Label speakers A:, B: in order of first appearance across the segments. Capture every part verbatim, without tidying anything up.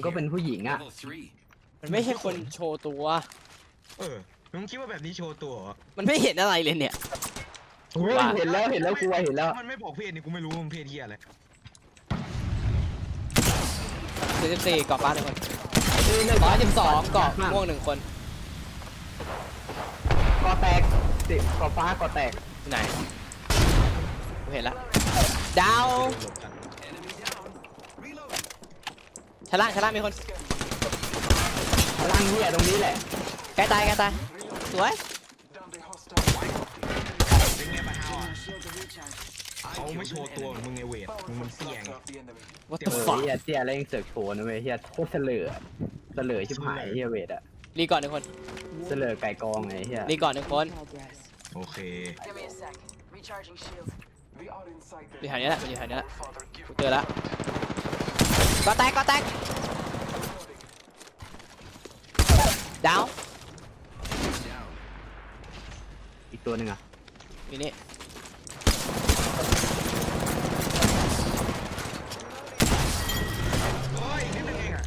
A: ก็เป็นผู้หญิงอ่ะ
B: มันไม่ใช่คนโชว์ตัว
C: เออมึงคิดว่าแบบนี้โชว์ตัว
B: มันไม่เห็นอะไรเลยเนี่ย
A: เห็นแล้วเห็นแล้วกูเห็นแล้ว
C: มันไม่บอกเพศนี่กูไม่รู้มันเพศเหี้ยอะไร
B: สี่สิบสี่เกาะฟ้าหนึ่งคนร้อยสิบสองเกาะม่วงหนึ่งคน
A: กอแตกสิกอฟ้ากอแตก
B: ไหนกูเห็นแล้วดาวชั้นล่างชั้นล่างมีคน
A: พลังเหี้ยตรงนี้แหละ
B: ใกล้ตายใกล้ตายสวย
C: เป็นไงบ้างอ่ะเขาไม่โชว์ตัวมึงไงเวทมึงมันเสี่ยง
B: วัต
A: เอ
B: ถุ
A: อ
B: ฝัก
A: เหี้ยเตี้ยแล้วยังเสือกโชว์นะเว้ยเหี้ยโคตรเสลอเสลอชิบหายเหี้ยเวทอะ
B: รีก่อนหนึ่งคน
A: เสลอไก่กองไงเหี้ย
B: รีก่อนหนึ่งคน
C: โอเค
B: อยู่แถวนี้แหละมันอยู่แถวนี้แหละกูเจอแล้วก็แตกก็แตกดาว
A: อีกตัวหนึ่งอะ
B: อยู่นี่
C: โอ้ยนิดนึงเองอ่ะ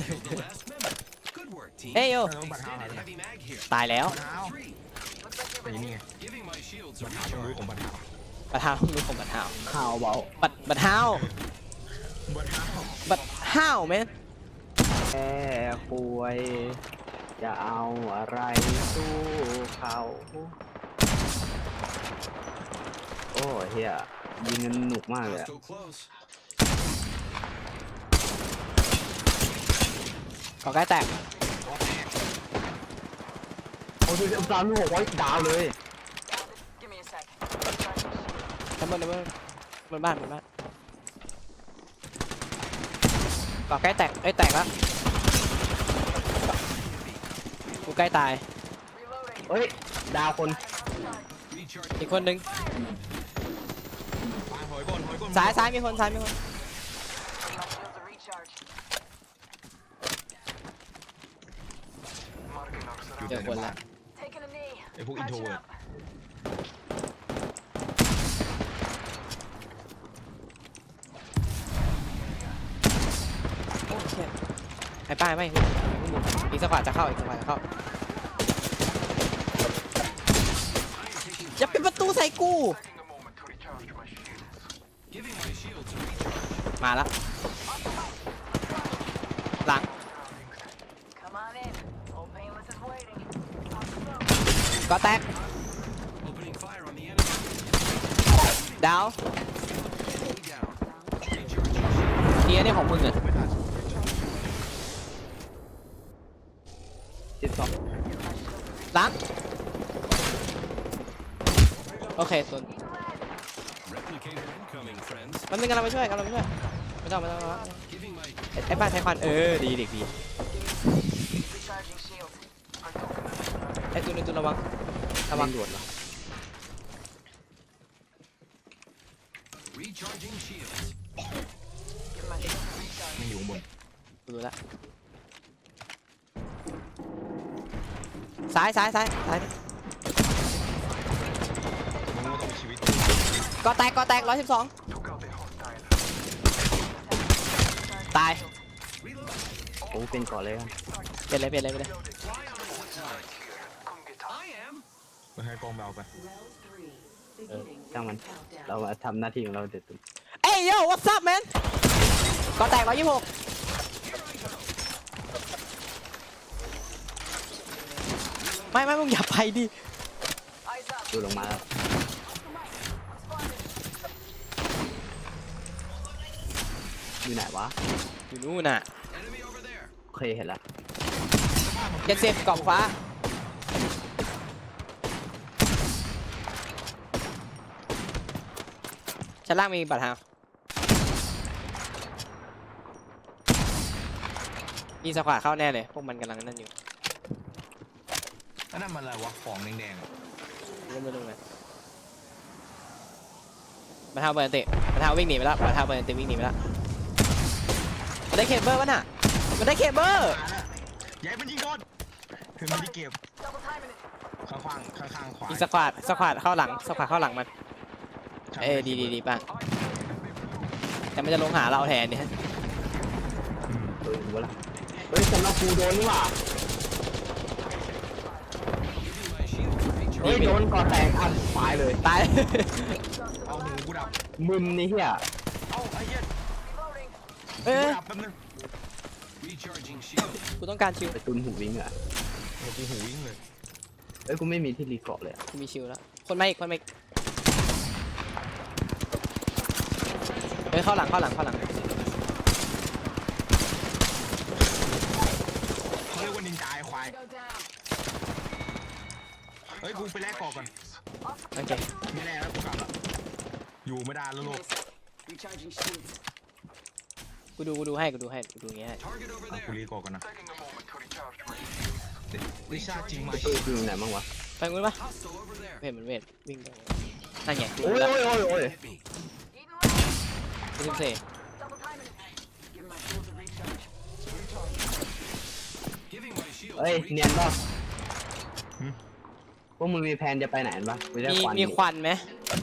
B: เฮ้ยโย
C: เออบัตรเท้าหายไปไหน
B: ตายแล้ว
C: บัตรเท้าไปนี่ไงบัตรเท้าต้องรู้ของบัตรเท้า
B: บัตรเท้าลูกของบัตรเท้า
A: ข่าวเบา
B: บัตรบัตรเท้า
C: บัตรเท้า
B: บัตรเท้าแมน
A: แค่ป่วยจะเอาอะไรสู้เขาโอ้เฮียยิงกันหนุกมากเลยอะ
B: ก่อใกล้แตก
A: โอ้ยสามหกไว้ดาวเลย
B: ชั้นบนชั้นบนบนบ้านบนบ้านก่อใกล้แตกเอ้ยแตกแล้วกูใกล้ตาย
A: เฮ้ยดาวคน
B: อีกคนนึง
C: หอยก้นหอยก้น
B: ซ้ายซ้ายมีคนซ้ายมีคนเจอคนละ
C: ไอพวกอินโทรเวิร์ด
B: โอ้เชี่ยไอ้ป้ายไม่อีกสักกว่าจะเข้าอีกสักกว่าจะเข้าอย่าปิดประตูใส่กูมาแล้วหลังก็แตกดาวเทียนี่ของมึงเหรอ
A: สิบสอง
B: หลังโอเคส่วนมันเป็นกำลังไปช่วยกำลังไปช่วยไม่ต้องไม่ต้องไม่ต้องไอ้ป้าใช้ควันเออดีเด็กดีไอ้ตัวนึงตัวระวังระวัง
A: ด่วนเหรอ
C: มันอยู่ข้างบน
B: ดูแล้วซ้ายซ้ายซ้ายซ้าย
C: มึงก็ต้องมีชีวิต
B: ก็แตกก็แตกร้อยสิบสองตาย
A: โอ้เป็นก่อนเลยครับ
B: เปลี่ยนเลยเปลี่ยนเลยไปเลย
C: ไปให้กองเบาไป
A: เออช่างมันเรามาทำหน้าที่ของเราเด็ดสุด
B: เอ้ยโย่ what's up man ก็แตกร้อยยี่สิบหกไม่ไม่มึงอย่าไปดิ
A: ดูลงมาแล้วอยู่ไหนวะ
B: อยู่นู่นน่ะ
A: โอเคเห็นแล้ว
B: เจ็ดสิบกล่องฟ้าชั้นล่างมีบัตรฮาวมีสควอตเข้าแน่เลยพวกมันกำลังนั่นอยู่
C: แล้วนั่นมันอะไรวะของแดงๆอ่ะ
B: ไม่รู้เลยบัตรฮาวเปิดเตะบัตรฮาววิ่งหนีไปแล้วบัตรฮาวเปิดเตะวิ่งหนีไปแล้วมันได้เคเบิลวะน่ะมันได้เคเบิล
C: ย้ายมันยิงโดนคือมันที่เก็บข้างข้างข้างข้างขวา
B: อีกสควอตสควอตเข้าหลังสควอตเข้าหลังมันเอ้ดีดีดีป่ะแต่มันจะลงหาเราแทนเนี่ย
A: ดูดูละฮ้ยสำหรับกูโดนนี่หว่าเฮ้ยโดนก่อแตกอันตายเลย
B: ตาย
C: เอาหูกูดับ
A: มึนนี่เฮีย
C: เอาไอ้เหี้ย
B: เอ้
C: กู
B: ย
C: ดับแป๊บนึง
B: กูต้องการชิว
A: ไปตุนหูวิ่งอ่ะ
C: เออกูหูวิ่งเลย
A: เอ้ยกูไม่มีที่รีเกาะเลยอะ
B: กูมีชิวแล้วคนมาอีกคนมาอีกเฮ้ยเข้าหลังเข้าหลังเข้าหลัง
C: เขาเรียกว่านินจาไอ้ควายเฮ้ยกูไปแลกกอกก่อน
B: โอเค
C: ไม่แลกแล้วกูกลับละอยู่ไม่ได้แล้วลูก
B: กูดูกูดูให้กูดูให้กูดูอย่างเงี้ยให้
C: อ่ะกูรีกอกก่อนนะวิชาจริงไหม
A: เออคือไหนบ้างวะ
B: ไปงูปะเวทมันเวทวิ่งไปนั่นไงกู
A: โอ้ย
B: แล้ว
A: โอ้ยโอ้ยโอ้ย
B: กูลืมเซ
A: เอ้ยเนียนป่ะพวกมึงมีแผนจะไปไหนกันปะไม่ได้
B: มี
A: ควัน
B: มีควันไหม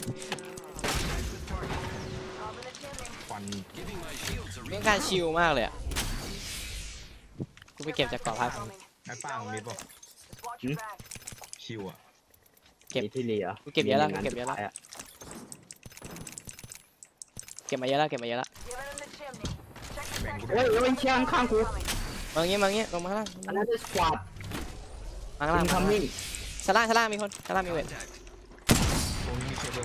C: ควัน
B: ต้องการชิลมากเลยอ่ะกูไปเก็บจากเกาะพัก
C: ไอ้ป้างมีป่ะชิวอ่ะ
B: เก็บ
A: มีที่รีเหรอ
B: กูเก็บเยอะแล้ว
A: มี
B: กูเก็บเยอะแล้ว
A: งานสุดท้า
B: เก็บมาเยอะแล้วเก็บมาเยอะแล้ว
C: แบ่งกู
A: เฮ้
C: ด้วย
A: ยเฮ้ยเชี่ยข้างๆกู
B: มาอย่างงี้มาอย่างงี้ลงมาข้างล่าง
A: อันนั้นคือสควอต
B: มาข้างล่าง
A: อิน
B: มา
A: คั
B: ข้าม งล่าง
A: มิ่ง
B: ชั้นล่างชั้นล่างมีคนชั้นล่างมีเวท
C: ตรงนี้มีเคเบิล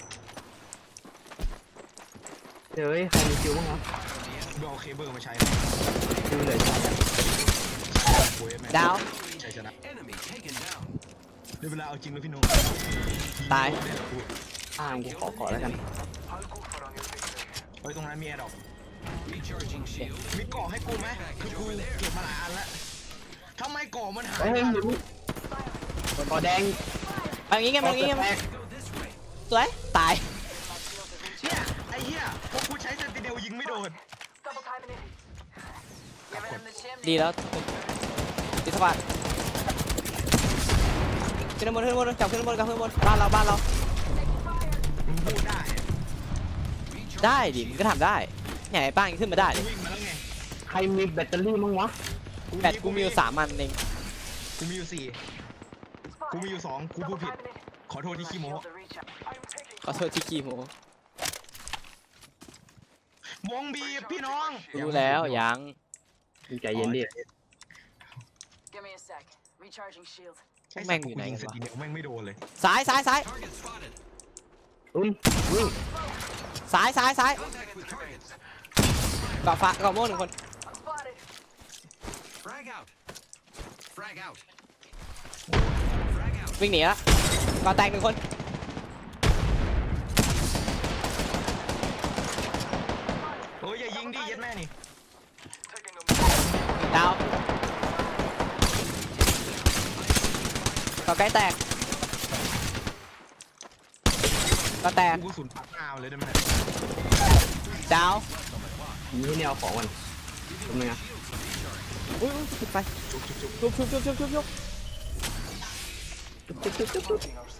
A: เฮ้ยใครมีคิวบ้างวะ
C: ดูเอาเคเบิลมาใช้
A: คิวเลยจ้ะ
C: โอ้ยแม่ง
B: ดาว
C: ใช่ชนะเดี๋ยวเวลาเอาจริงเลยพี่นุ่ม
B: ตาย
A: อ่างกูขอขอแล้วกัน
C: เฮ้ยตรงนั้นมีแอร์ดรอปมีเกาะให้กูไหมคือกูเก็บมาหลายอันแล้วทำไมเกาะมันหาย
A: เฮ้ยหมุนขอแดง
B: ไปอย่างงี้ไงมาอย่างงี้ไง
A: แตก
B: สวยตาย
C: เนี่ยไอ้เหี้ยพวกกูใช้เซนติเนลยิงไม่โดน
B: ดีแล้วดีสบายขึ้นบนขึ้นบนจับขึ้นบนกับขึ้นบนบ้านเราบ้านเรา
C: มึงพูดได้
B: ได้ดิมึงก็ทำได้เนี่ยไอ้ป้างยังขึ้นมาได้
C: กู
B: เลย
C: วิ่งมาแล้วไง
A: ใครมีแบตเตอรี่มั้งวะ
B: แบตกูมีอยู่สามอันเอง
C: กูมีอยู่สี่กูมีอยู่สองกูพูดผิดขอโทษที่ขี้โม้
B: ขอโทษที่ขี้โม
C: วงบีบพี่น้อง
B: รู้แล้วยัง
A: ใจเย็นดิ
B: พวกแม่งอยู่ไหนกัน
C: ส
B: วะ
C: ติเนลแม่งไม่โดนเลย
B: ซ้ายซ้ายซ้าย
A: ตุ้นวิ่ง
B: ซ้ายซ้ายซ้ายเกาะฟ้าเกาะม่วงหนึ่งคน วิ่งหนีแล้วเกาะแตกหนึ่งคน
C: โอ้ยอย่ายิงดิยัดแม่นี่
B: ดาวเกาะใกล้แตกเกาะแตก
C: กูกระสุนปักหน้าเลยได้ไหม
B: ดาว
A: นี่ให้แนวของมันทำไงอ่ะ
B: อุ้ยอุ้ยปิดไฟ
C: จุกจุกจุก
B: ชุบชุบชุบชุบชุบชุบ
A: จุ๊บจุ๊บจุ๊บจุ๊บ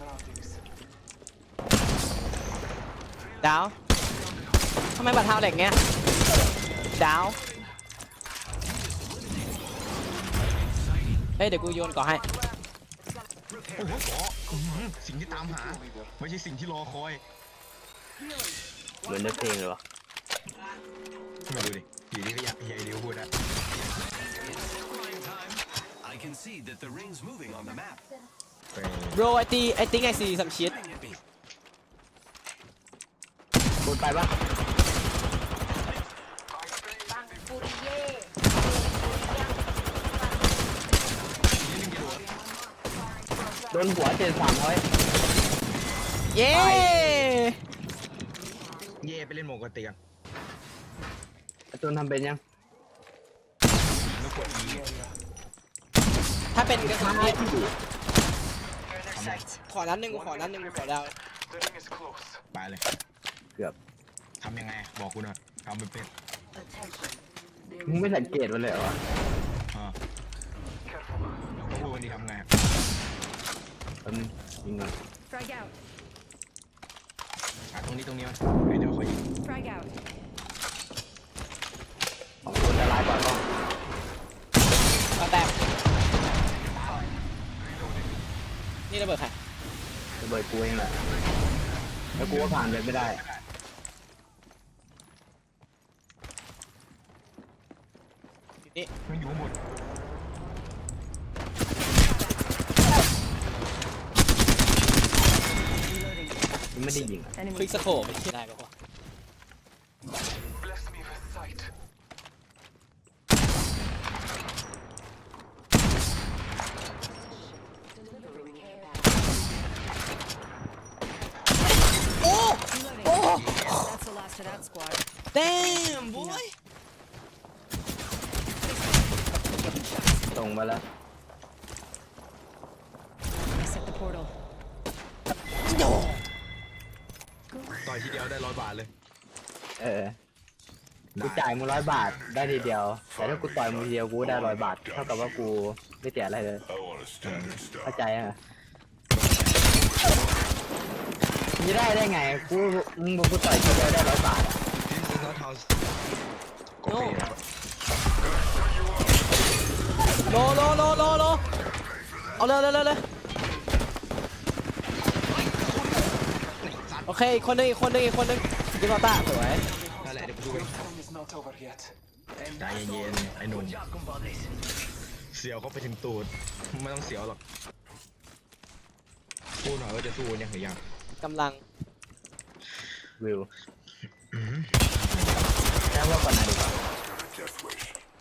B: ดาวทำไมบัตรเท้าเหล็กเงี้ยดาวเฮ้ยเดี๋ยวกูโยนก่อให้
C: โอ้โหขออื้อหือสิ่งที่ตามหาไม่ใช่สิ่งที่รอคอย
A: เหมือนในเพลงเลยวะ
C: มาดูดิอยู่ดีก็อยากใหญ่เดียวพูดอะ
D: I can see that the ring's moving on the map.
C: ไป
B: bro I think I think I see some shit
A: กดไปปะโดนหัวเจ็ดสามร้อย
B: เย้
C: เย่ไปเล่นโมกติกัน
A: จนทำเป็นยัง
C: แล้วกดอี
B: ถ้าเป็นกระสุนนี่
C: ทำไร
B: ขอนั้นหนึ่งกูขอนั้นหนึ่งกูขอดาว
C: ไปเลย
A: เกือบ
C: ทำยังไงบอกกูหน่อยทำเป็นเป็น
A: มึงไม่สังเกตมันเลยเหรอวะ
C: อ่าแล้วพูดวันนี้ทำไง
A: แป๊บนึงยิงก่อน
E: Frag out.
C: อ่ะตรงนี้ตรงนี้มันเฮ้ยเดี๋ยวขอยิง
E: Frag out.
A: ของคนละลายกว่ากล้อง
B: ระเบิดใคร
A: ระเบิดกูเองแหละแล้วกูก็ผ่านไปไม่ได้
B: นี่
C: มันอยู่ข้างบน
A: มันไม่ได้ยิงอะ
B: คลิกสโคปไม่ได้ปะวะ โอ้ โอ้
E: That's the last of that squad.
B: damn boy
A: ตรงไปแล้ว
E: I set the portal.
C: ต่อยทีเดียวได้ร้อยบาทเลย
A: เออกูจ่ายมึงร้อยบาทได้ทีเดียวแต่ถ้ากูต่อยมึงทีเดียวกูได้ร้อยบาทเท่ากับว่ากูไม่เสียอะไรเลย
D: I want a standard style.
A: เข้าใจอ่ะนี่ได้ได้ไงกูมึงบอกกูต่อยทีเดียวได้ร้อยบาทอะ
C: This is not how
B: โนโลโลโลโลโลเอาเลยเลยเลยเลยโอเคอีกคนนึงอีกคนนึงอีกคนนึงดิบอต้าสวย
C: นั่นแหละเดี๋ยวกูดูเองใจเย็นๆไอ้หนุ่มเสียวเขาไปถึงตูดไม่ต้องเสียวหรอกพูดหน่อยว่าจะสู้ยังหรือยัง
B: กำลัง
A: วิวแค่ว่าก่อนไหนดีกว่า
D: Death wish.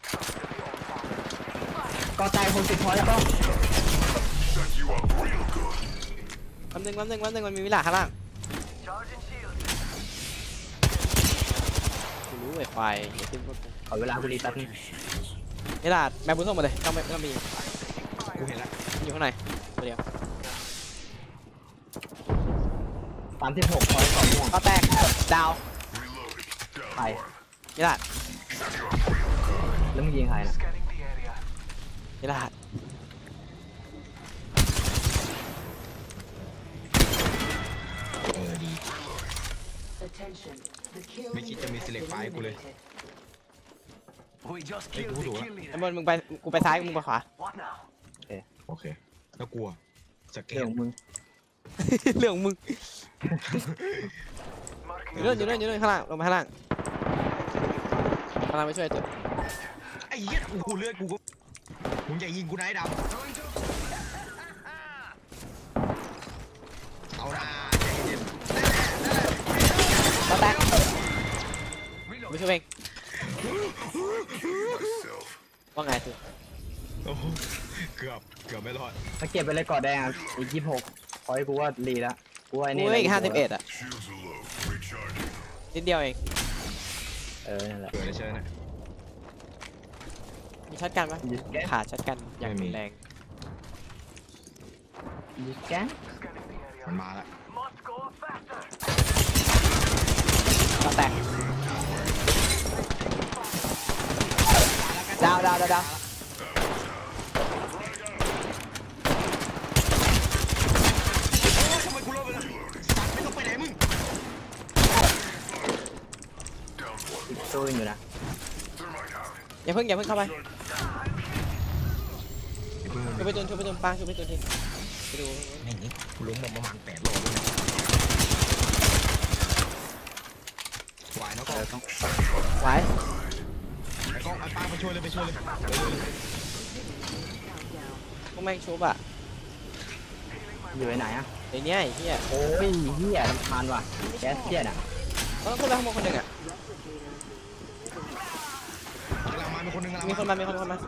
A: ก็ตายคนสิบพอแล้วก็
D: Set you up real good.
B: แป๊บนึงแป๊บนึงแป๊บนึงมันมีวิลาข้างล่างกูรู้ไอ้ไฟอย่าขึ้นรถกู
A: ขอเวลากูรีแป๊บนึง
B: วิลาแมปบุญส่งมาเลยต้องไม่ต้องมี
C: กูเห็นแล้ว
B: อยู่ข้างในตัวเดียว
A: สามสิบหกพอยต์สองม่วง
B: ก็แตกดาว
D: Reloading. Down
A: ไป
D: one.
B: วิลา
A: แล้วมึงยิงใครนะ
B: วิลา
C: เออดีไม่คิดจะมี select ไฟล์กูเลย
D: We just
C: ไอ้ยกูถูกแล้ว
B: ไอ้บอลมึงไปกูไปซ้ายมึงไปขวา
C: โอเคแล้วกลัวสเก
A: เรื่อ
C: ล
A: งมึง
B: เรื่องของมึงอยู่นู่นอยู่นู่นอยู่นู่นข้างล่างลงมาข้างล่างข้างล่างไปช่วยตัว
C: ไอ้เหี้ยกูเลือดกูก็มึงอย่ายิงกูนะไอ้ดำเอาละใจเย็น
B: ก็แตกไปช่วยเอง
D: myself.
B: ว่าไงคือ
C: โอ้โหเกือบเกือบไม่รอด
A: ถ้าเก็บไปเลยก่อนแดงอะอีกยี่สิบหกพอยต์กูว่ารีแล้วกูว่าไอ้
B: กู
A: นี่
B: อีกห้าสิบเอ็ดอ่ะ
D: Shields are low. Recharging.
B: นิดเดียวเอง
A: เออนั่นแหละ
C: เกิดอะไรเชิญนะ
B: มีช็อตกันปะ
A: ยิงแก๊ส
B: ขาดช็อตกันอย่าง
C: ไม่มี
B: แรง
A: ยิงแก๊ส
C: มันมาแล้ว
B: ก็แตกดาวดาวดาวดาว
C: โอ้ยทำไมกูรอดไปล่ะสัตว์ไม่ต้องไปไหนมึง
D: Down one.
A: อีกตัวอยู่นะ
D: Thermite out.
B: อย่าเพิ่งอย่าเพิ่งเข้าไป
C: ไอ้เพื่อน
B: ช่วยไปตุนช่วยไปตุนปังช่วยไปตุนทีไปดู
C: แม่งนี่กูล้มมาประมาณแปดรอบแล้วเนี่ยไหวเนาะกล้อง
B: ไหว
C: ไอ้กล้องไอ้ป้าไปช่วยเลยไปช่วยเลยเร็วๆเลย
B: พวกแม่งชุบอ่ะ
A: อยู่ไหนอ่ะ
B: ไอ้เนี้ยไอ้เหี้ย
A: โอ้ยเฮียรำคาญว่ะแก๊สเฮียน่ะ
B: มันต้องขึ้นไปข้างบนคนหนึ่งอ่ะ
C: กำลังมามีคนหนึงกำลัง
B: มีคนมามีคนมา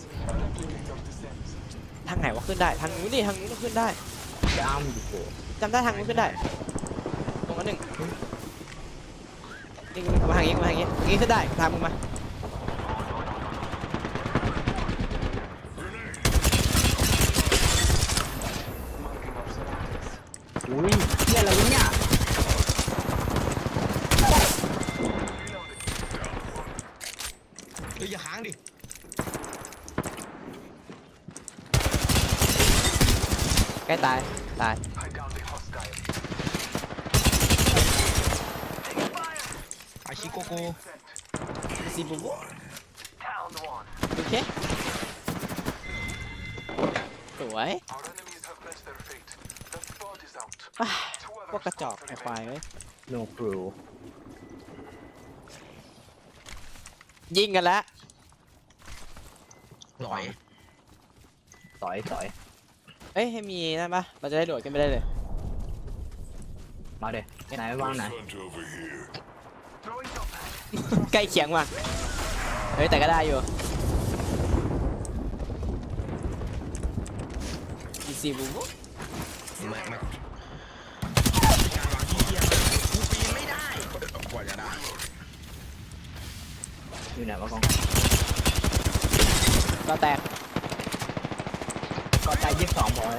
B: ทางไหนวะขึ้นได้ทางนู้นดิทางนู้นก็ขึ้นได้
A: จะอ้ามอยู่โผล่
B: จำได้ทางนู้นขึ้นได้ตรงนั้นหนึ่งนี่กูมาทางนี้กูมาทางนี้ทางนี้ขึ้นได้ตามมึงมา
A: อุ้ยเฮียอะไรวะเนี่ย
C: เฮ้ยอย่าค้างดิ
B: ใกล้ตายตาย
C: อาชิโกโก
B: ซีบูบูโอเคสวยอ่ะพวกกระจอกไอ้ควายเว้ย
A: no crew
B: ยิงกันแล้ว
C: หลอย
A: ต่อยต่อย
B: เอ้ยให้มีนั่นปะเราจะได้โดดขึ้นไปได้เลย
A: มาเด็ไหนวางไหน
D: Hunt over here.
B: ใกล้เคียงว่ะเฮ้ยแต่ก็ได้อยู่อีซีบูบู
C: ไม่ไม่การวางที่เทียมกูปีนไม่ได้กว่าจะได้
A: อยู่ไหนวะกอง
B: ก็แตก
A: ก็ใจยี่สิบสองพอย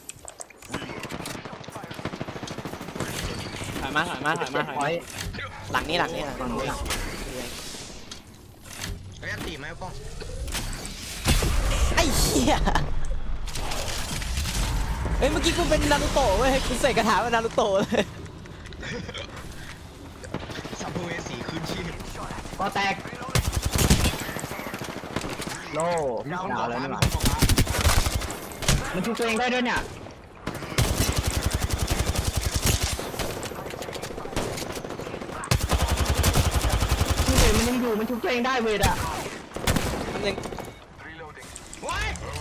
B: ถอยมาถอยมาถอยมาถอย
A: พอ
B: มาย หลังนี้หลังนี้หลัง
A: ฝั่งนู้น
B: นี้
A: อะ
C: ไอ้ยันตีไหมป้อง
B: ไอ้เหี้ยเฮ้ยเมื่อกี้กูเป็นนารูโตะเว้ยกูใส่กระถาเป็นนารูโตะเลย
C: สัมภเวสีคืนชีพ
A: ก็แตกโล่
C: มีคน
A: ดา
C: ก่อ
A: วแล้ว
C: ฟ้า
A: นี่ห
C: มี
A: ว่า
C: คนก่อฟ้า
A: มันชุบตัวเองได้ด้วยเนี่ยนี่เว้ยมันยังอยู่มันชุบตัวเองได้เว้ยอะ
B: มันหนึ่ง
C: ว้าย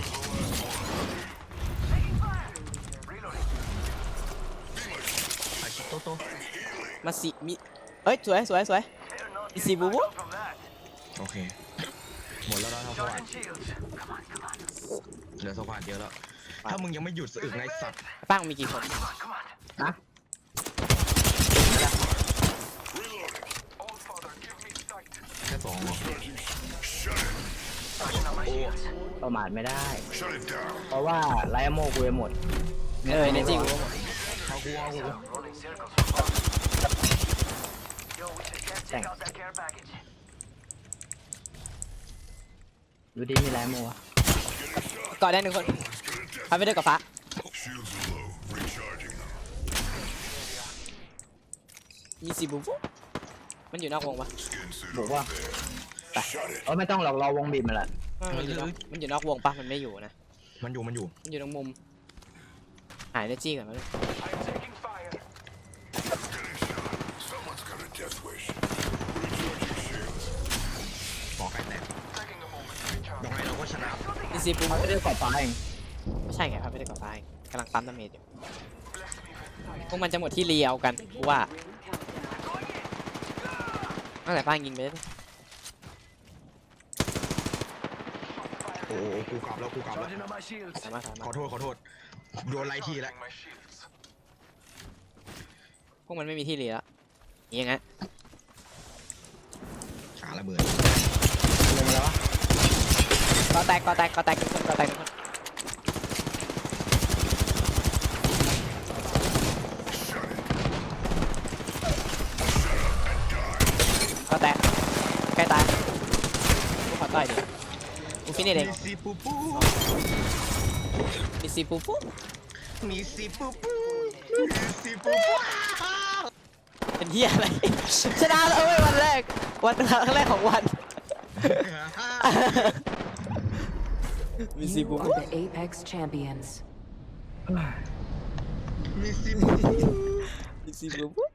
C: อาชิโตโต
B: มาสิมีเอ้ยสวยสวยสวยอีซีบูบู
C: โอเค หมดแล้วนะสวัสดเหลือสวัสดเดียวแล้ว ถ้ามึงยังไม่หยุดสะอึกในสัตว์
B: ป้างมีกี่คน
A: นะ
C: แค่สองเหรอ
A: ประมาทไม่ได้
D: Shut it down.
A: เพราะว่าไลท์โมกูไปหมด
B: เออเนจิกู
C: เอากูเอากู
A: แต่งดูดีมีไลท์โมวะ
B: ก่อนได้หนึ่งคนพาไปด้วยกับฟ้า
D: Shields are low. Recharging them.
B: อีซีบูบูมันอยู่นอกวงปะ
D: Skin suit
A: บอก
D: over
A: ว่า
D: there. Shut it.
A: เออไม่ต้องหรอกรอวงบีบมาละ
B: มันอยู่นอกมันอยู่นอกวงปะมันไม่อยู่นะ
C: มันอยู่ มันอยู่
B: มันอยู่ตรงมุมหายเนจิก่อนมาเลย
D: Someone's got a death wish. Recharging shields.
C: หมอไก่แตกยังไงเราก็ชนะ
B: อีซีบู
A: เขา
B: บู
A: จะได้กอดฟ้าเอง
B: ไม่ใช่ไงพาไปด้วยกับฟ้าเองกำลังปั๊มดาเมจอยู่พวกมันจะหมดที่เลียวกันกูว่าตั้งแต่ป้างยิงไปเลย
C: โอ้โหกูกลับแล้ว กูกลับแล้ว
B: สามารถสามาร
C: ขอ
B: ถ
C: โทษ ขอโทษ โดนไล่ทีแล้ว
B: พวกมันไม่มีที่เลียแล้วนี่ยังไง
C: ขาระเบิด
A: ลงมาแล้ววะ
B: ก็แตกก็แตกก็แตกทุกคนก็แตกทุกคนก็แตกใกล้ตายกูขอต่อยดิกูฟินิชเอง
C: มีซีปูปู
B: อีซีปูปู
C: มีซีปูปูมีซีปูปู
B: เป็นเฮียอะไร ชนะแล้วเว้ยวันแรก วันครั้งแรกของวัน มีซี
E: You
B: บูบู
E: are the Apex champions.
C: มีซีปูปู
B: มีซีบูบู